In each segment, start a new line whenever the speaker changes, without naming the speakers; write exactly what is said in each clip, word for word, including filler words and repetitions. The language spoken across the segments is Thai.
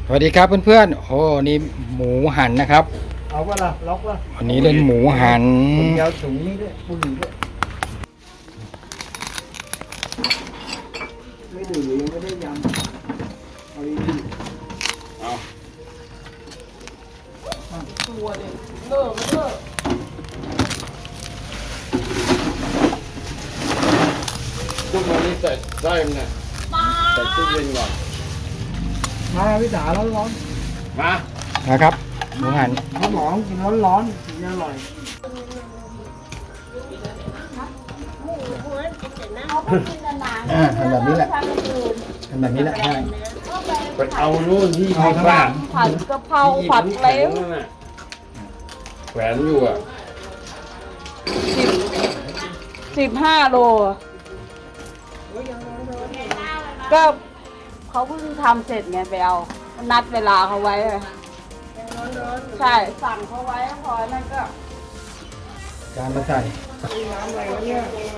สวัสดีครับเพื่อนๆโอ้นี่หมูหันนะครับ
เอาว่าล่ะล็อกว่า
วันนี้เล่นหมูหัน
คนยาวสูงนี่ด้วยบุหรี่ด้วยไม่ดื่มยังไม่ได้ยำเอาดีๆเอาตัวเด็กเลิกมาเลิก
ทุกวันนี้ใส่ได้ไหมเนี่ยใส่ตู้เย็นก่อน
มาพี่จ๋าร้อนร้อน
มา
นะครับหมูหัน
เขาหมองกินร้อนร้อนถึงจะอร่อย
อ่าทำแบบนี้แหละทำแบบนี้แหละใช่
ไปเอานู่นที่
เอาข้างหลัง
ผัดกะเพราผัดเล้ง
แขวนอยู่อ่ะ
สิบสิบห้าโลก็เขาเพิ่งทำเสร็จไงไปเอานัดเวลาเขาไว้ใช่สั่งเขาไว้พอนั่นก็
จานมาใส่
น้ำอะไรวะเนี่ย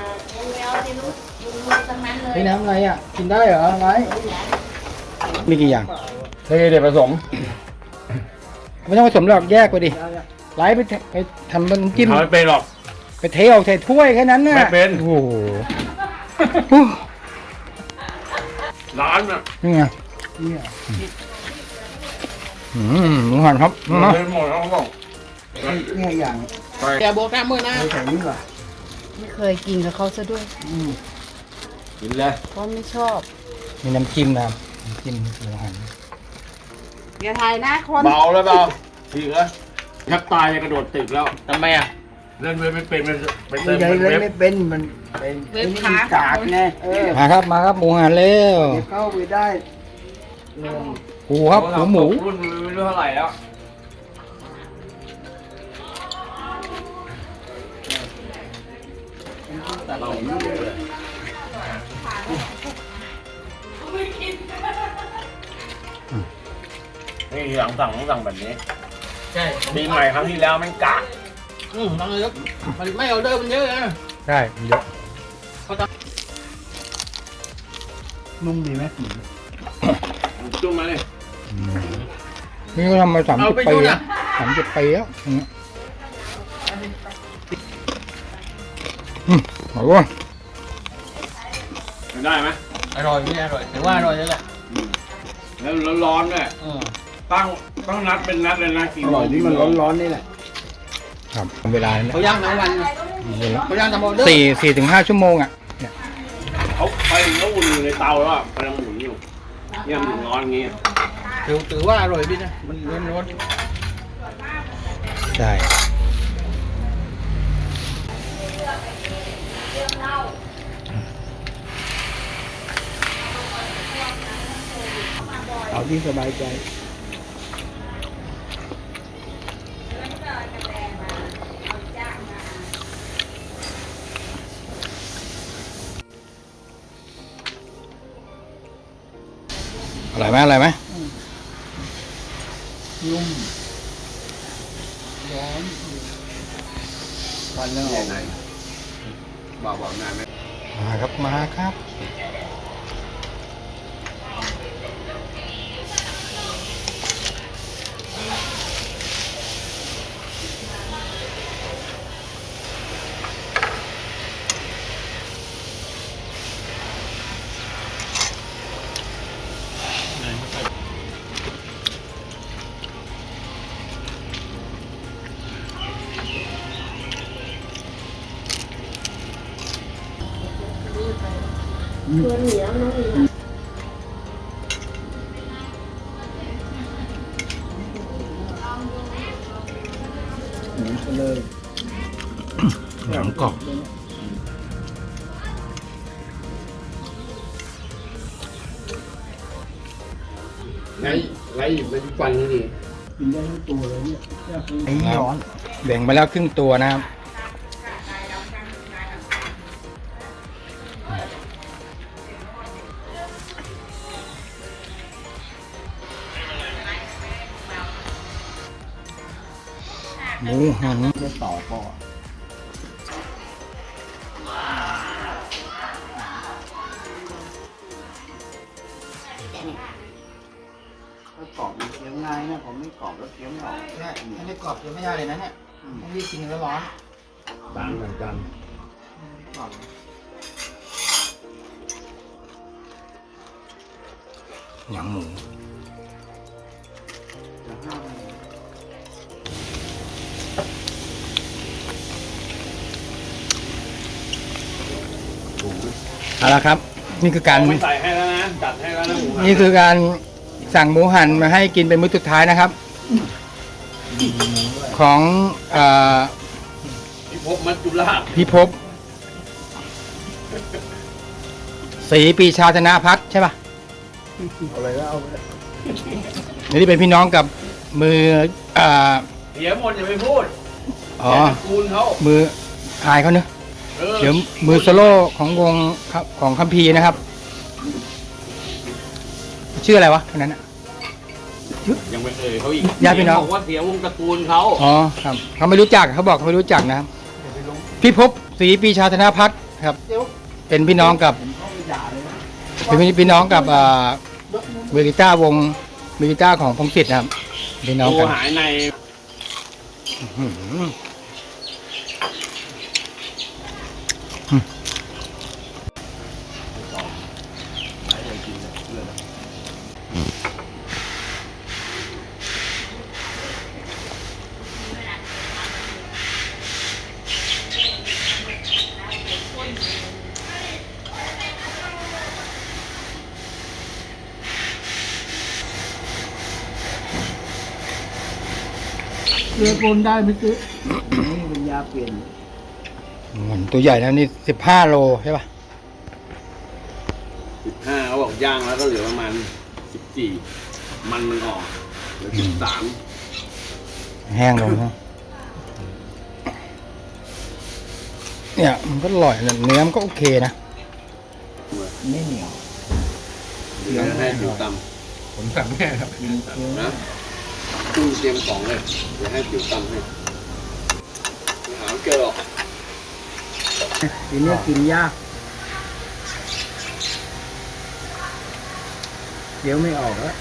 นี่น้ำอะไรอ่ะกินได้เหรอไรมีกี่อย่าง
เทเดี๋ยวผสม
ไม่ต้องผสมหรอกแยกไปดิไล่ไปเทไปทำน้ำจิ้ม
ทำไม่เป็นหรอก
ไปเทออกใส่ถ้วยแค่นั้นน่ะ
ไม่เป็น
โอ้โห
ร้านอ่ะ
นี่ไง
เนี่ย
อืมหมูหันครับ
เดินหมดแล้วเขาบอก
เนี่ยอย่าง
ไป
แกโบกแก้มือนะ
ใส่ใส่นี่ว่ะ
ไม่เคยกินกับเขาซะด้วย
อืม
กินเลย
เพราะไม่ชอบ
มีน้ำจิ้มนะครับน้ำจิ้มหมูหัน
อย่าถ่ายนะคน
เบาแล้วเบาทีแล้วยักตายจะกระโดดตึกแล้วทำไมอ่ะเล่นเว็บไม่เป็นมันไปเติม
ใหญ่
เป็น
เล่น
เว็บ
ไม่เป็นมันเป็น
เว็บ
ไอ้
ขา
นี่กากไงเออ
มาครับมาครับหมูหันเร็ว
เดี๋ยวเข้าไปได้เรื่อง
หมูครับหมูหมู
รุ่นไม่รู้เท่าไหร่แล้วเราไม่รู้เลยนี่ทีหลังสั่งต้องสั่งแบบนี้
ใช่
ปีใหม่ครั้งที่แล้วมันกะ
อืมบางเลยมันไม่เอาเดิมมันเยอะนะ
ใช่เยอะ
นุ่มดีไหม
จุ่มมาเลย
นี่ก็ทำมาสามสิบปีแล้วสามสิบปีแล้วอย่างเงี้ยอืมอร่อย
ได้ไหม
อร่อยไม่อร่อยถือว่าอร่อยแล้วแหละ
แล้วร้อนๆด้วย
เออ
ตั้งต้องนัดเป็นนัดเลยนะกี่
อ
โม
ร่อย
ง
ที่มันร้อนร้อนๆนี่แหละ
ครับเวลาเนี่ย
เขาย่างทั้งวันนะเขาย่างทั้งหมด
สี่สี่ถึงห้าชั่วโมงอ่ะเนี่ย
เขาไปเขาอุ่นอยู่ในเตาแล้วอะกำลังหมุนอยู่เนี่ยมันถึงร้อนอย่างงี้
ถือถือว่าอร่อยดีนะมันร้อนร้อน
ใช่
เอาที่สบายใจ
อร่อยไหมอร่อยไหม
นุ่มร้อนวันแล้วออก
ไหนบอกบอกนายไหม
มาครับมาครับ
หมูไปเลย
หนังกรอบ
ไงไรหยิบเป็นฟันนี่ดิ
กินได้ทั้งตัวเลยเนี่ยไอ้ร้อน
แบ่งไปแล้วครึ่งตัวนะครับหมูหัน
จะต่อปอถ้ากรอบมันเคี้ยวง่ายนะผมไม่กรอบแล้วเคี้ยวไม่ออก
ใช่ถ้าไม่กรอบจะไม่ได้เลยนะเนี่ยต้องรีบกินแล้วร้อน
ต่างเหมือนกัน
กรอบหนังหมู
จะห้ามมัน
เอาละครับ นี่คือการ
ไม่ใส่ให้แล้วนะจัดให้แล้วนะหมูหัน
นี่คือการสั่งหมูหันมาให้กินเป็นมื้อสุดท้ายนะครับ ของเอ่อ
พิภพมัจจุราช
พิภพศรีปีชาธนาพัฒน์ใช่ป่ะ
เอาเลยแล้วเอาเลย
นี่เป็นพี่น้องกับมือเอ่อ
เสียหมดอย่าไปพูด
อ๋อ
แกตระกูลเขา
มืออายเขาเนอะ
เออ
เดี๋ยวมือโซโล่ของวงครับของคัมภีร์นะครับ ชื่ออะไรวะคนนั้นอ่ะ
ยังไม่เอ่ยเขาอีก
ญาติพี่น้อง
บอกว่าเสียวงตระกูลเขา
อ๋อครับเขาไม่รู้จักเขาบอกเขาไม่รู้จักนะครับพี่ภพศรีปีชาธนาพัฒน์ครับ เป็นพี่น้องกับ
ผมเข้าไปด่าเลยนะ
เป็นพี่น้องกับอ่าเวลิต้าวงเวลิต้าของพงศิษฐ์นะครับพี่น้อง
โทร
กัน
หายใน
อื้อหือ
เลือปนได้ไหมซื้อนี่เป็นยาเปลี่ยน
มันตัวใหญ่แล้วนี่สิบห้าโลใช่ป่ะ
สิบห้าเขาบอกย่างแล้วก็เหลือประมาณสิบสี่มันมันออกเหลือสิบสาม
แห้งลงนะเนี่ยมันก็อร่อยนะเนื้อมันก็โอเคนะ
ไม่เหนียว
เหลือให้ผิวต
ผมสั่งแค่ครับ
กินเคี้ยว
ำนะตู้เตรียมของเลยเดี๋ยวให้ผิวตำให้ไม่หาไม่เจอหรอก
ทีนี้กินยากเคี้ยวไม่ออกแล้ว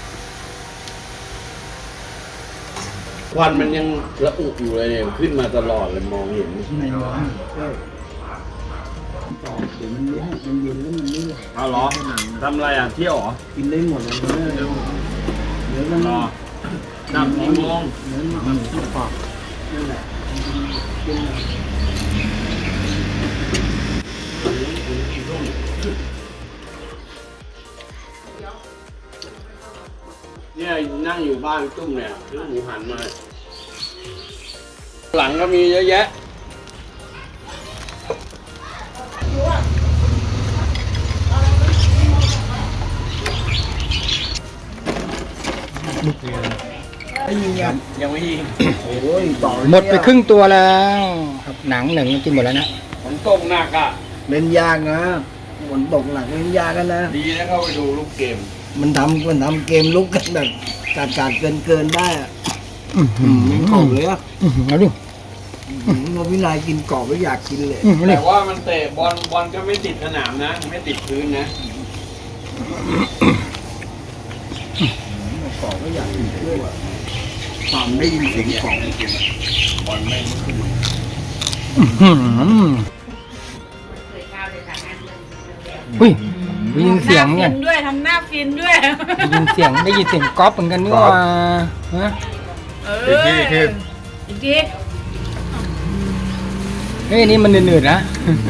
ควันมันยังระอุอยู่เลยเนี่ยขึ้นมาตลอดเลยมองเห็น
ไม่ร้อนใช่กรอบเดี๋ยวมันเย็นมันเย็นแล้วมันนี่
เอาเหรอทำอะไรอ่ะเที่ยวเหรอ
กินได้หมดเลยเนื้อเนื้อมัน
รอนับกี่โมง
เนื้อมันกรอบนั่นแหละกินเลย
เนี่ยนั่งอยู่บ้านตุ้มเนี่ยซื้อหมูหันมา หลังก็มีเยอะแยะ
ไม่ยิงยัง
ยังไม่ยิง
โอ้ยต่อ
หมดไปครึ่งตัวแล้วครับหนังหนึ่งกินหมดแล้วนะ
ฝนตกหนักอ่ะ
เล่นยากนะฝนตกหนักเล่นยากกันนะ
ดีนะเข้าไปดูลูกเกม
มันทำมันทำเกมลุกกันแบบการการเกินเกินๆได้อะ
อื้อหื
อื
อ
มกรอบเลยอ่ะ
อื้อหือเอาดิ
อืมเราพี่นายกินกรอบแล้วอยากกินเลย
อื้อหือเอาดิ
แต่ว่ามันเตะบอลบอลก็ไม่ติดสนามนะ ไม่ติดพื้นนะ
กรอบแล้วอยากกินด้วยฟังได้ยินเสียงกรอบ
บอลไม่ขึ้น
อื้อหืออุ้ยได้ยินเสียงเหมือนกัน
ฟินด้วยทำหน้าฟินด้วย
ได้ยินเสียงได้ยินเสียงก๊อปเหมือนกันนี่หว่าฮะ
เอออีกทีอีกที
เฮ้ยนี่มันเหนื่อยๆนะ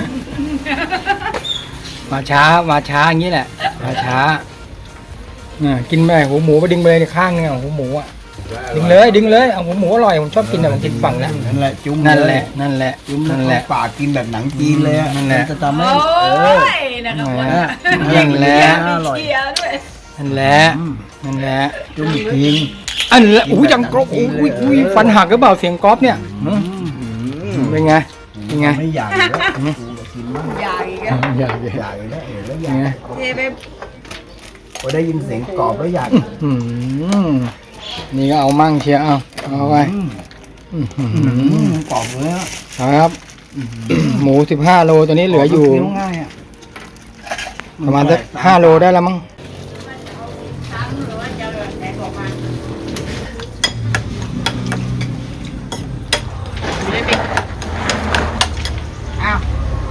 มาช้ามาช้าอย่างนี้แหละ มาช้าอ่ากินไปหูหมูไปดึงไปเลยในข้างเนี่ยหูหมูอ่ะดึงเลยดึงเลยเอาหูหมูอร่อยผมชอบกินแต่ผมกินฝั่งแล้ว
นั่นแหละจุ่ม
นั่นแหละนั่นแหละ
จุ่ม
นั่
นั่
น
น
แห
แห
ละ
ละปากกินแบบหนังจีนเลยอะ
นั่นแหละ
มัจะทำ
โอ้
ให้เออย
นะครับ
นั่
ว่าน
แหละ
นั่
นั่น
น
แห
แห
ละ
ละ
มีเกียร์ด้วย
นั่นแหละนั่นแหละ
จุ่มอีกที
อันแหละอู้ยจังกรอบอู้ยอุ้ยอุ้ยฟันหักหรือเปล่าเสียงก๊อฟเนี่ยหืมเป็นไงเป็นไง
ไม่อยากเลยแล้วกูก็กินบ้าง
ใหญ่กัน
อยาก
อยากเลยแล้วเห็นแล้วอ
เป็
ยาน
ไง
ก
เทไป
พอได้ยินเสียงกรอบแล้วอยาก
อืมนี่ก็เอามั่งเชียวเอาเอาไป
อืม
อื้อหื
อื
อ
มกรอบเลยอะ
ครับ หมูสิบห้าโลตัวนี้เหลืออยู่
เคี้วง่ายอะ
ประมาณสักห้าโลได้แล้วมั้ง
ทั้งหรือว่าจะแบบอ้าว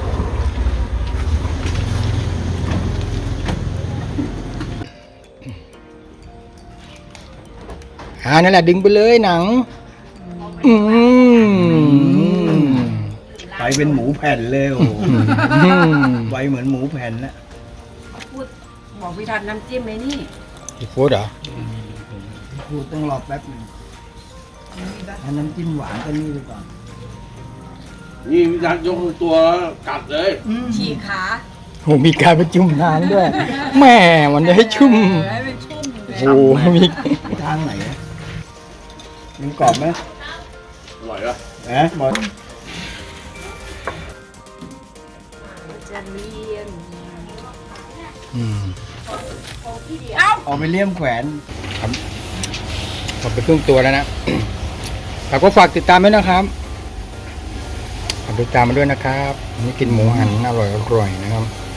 อ่านั่นแหละดึงไปเลยหนัง อืม
ไปเป็นหมูแผ่นเลยโอ้โห
อืม
ไวเหมือนหมูแผ่นนะ
พูดบอกพี่ทันน้ำจิ้มไหมนี่
อีโฟดเหรอ
พูดต้องรอแป๊บหนึงให้น้ำจิ้มหวานกันนี่ไปก่อน
นี่ยัดยกตัวกัดเลย
ฉีกขา
โหมีการประจุมน้ำด้วยแหม่มันจะให้ชุ่ม
ให้มันชุ่มเลย
โอ้โหมี
ทางไหนนะมันกรอบไหม
อร่อยปะ
เอ๊ะบอล
จะเลียน
อืม
เอาไปเลี่ยมแขวน
หมดไปครึ่งตัวแล้วนะ แต่ก็ฝากติดตามด้วยนะครับฝากติดตามมาด้วยนะครับวันนี่กินหมูหันอร่อยอร่อยๆนะครับ